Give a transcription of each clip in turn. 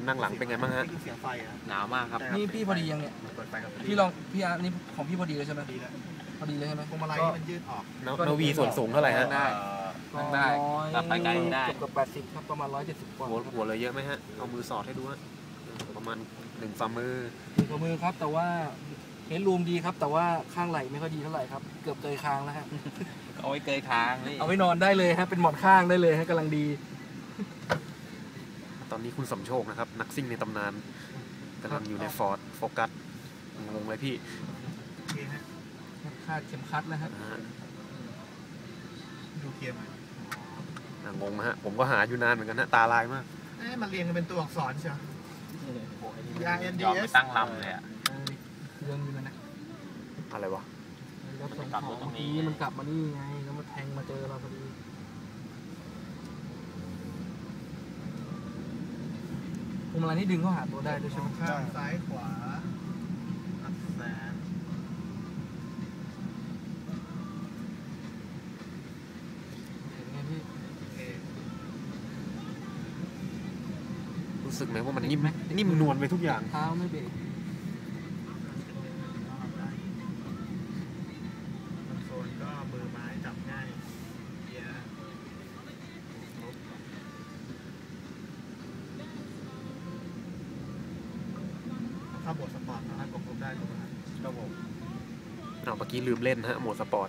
คนนั่งหลังเป็นไงบ้างฮะเสียงไฟหนาวมากครับนี่พี่พอดียังเนี่ยพี่ลองพี่อาร์นี่ของพี่พอดีเลยใช่ไหมพอดีเลยใช่ไหมพวงมาลัยมันยืดออกนวีส่วนสูงเท่าไหร่ฮะนั่งได้รับไปไกลได้เกือบ80ครับประมาณ170กว่าหัวเลยเยอะไหมฮะเอามือสอดให้ดูฮะประมาณ1 ฝ่ามือ 1 ฝ่ามือครับแต่ว่าเฮดรูมดีครับแต่ว่าข้างไหล่ไม่ค่อยดีเท่าไหร่ครับเกือบเกยคางแล้วฮะเอาไว้เกยคางนี่เอาไว้นอนได้เลยฮะเป็นหมอนข้างได้เลยฮะกำลังดีตอนนี้คุณสมโชคนะครับนักซิ่งในตำนานกำลังอยู่ในฟอร์ดโฟกัสงงเลยพี่คาดเข็มขัดแล้วฮะดูเกียร์งงฮะผมก็หาอยู่นานเหมือนกันนะตาลายมากมันเรียงกันเป็นตัวอักษรใช่ไหมยอมไปตั้งลำเลยอ่ะเรื่องนี้มันนะอะไรวะรถส่งของเมื่อกี้มันกลับมานี่ไงแล้วมาแทงมาเจอเราพอดีพวงมาลัยนี่ดึงเข้าหาตัวได้ด้วยใช่ไหมข้างซ้ายขวาอัดแสนเห็นไงพี่รู้สึกไหมว่ามันนิ่มนวลไปทุกอย่างเท้าไม่เบรกโซนก็มือไม้จับง่ายเกียร์ถ้าบทสปอร์ตสามารถควบคุมได้ถูกไหมครับผมเมื่อกี้ลืมเล่นฮะโหมดสปอร์ต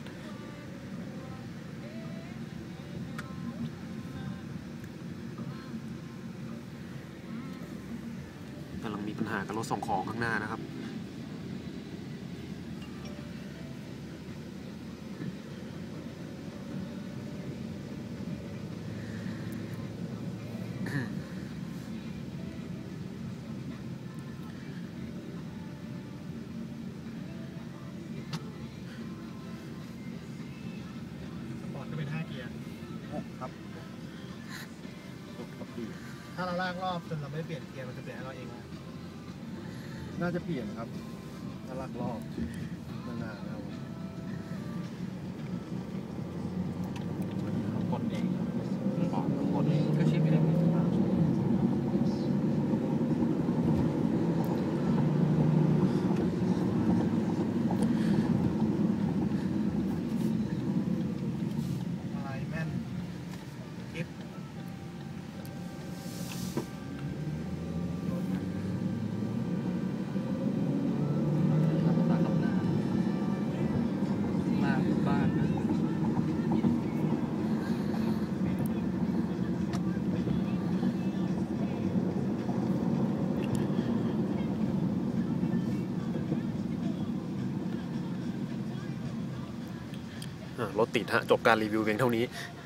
กำลังมีปัญหากับรถส่งของข้างหน้านะครับถ้าเราลากรอบจนเราไม่เปลี่ยนเกียร์มันจะเปลี่ยนให้เราเองน่าจะเปลี่ยนครับถ้าลากรอบนานๆแล้วกดเองกดเองก็ชิปเองรถติดฮะจบการรีวิวเพียงเท่านี้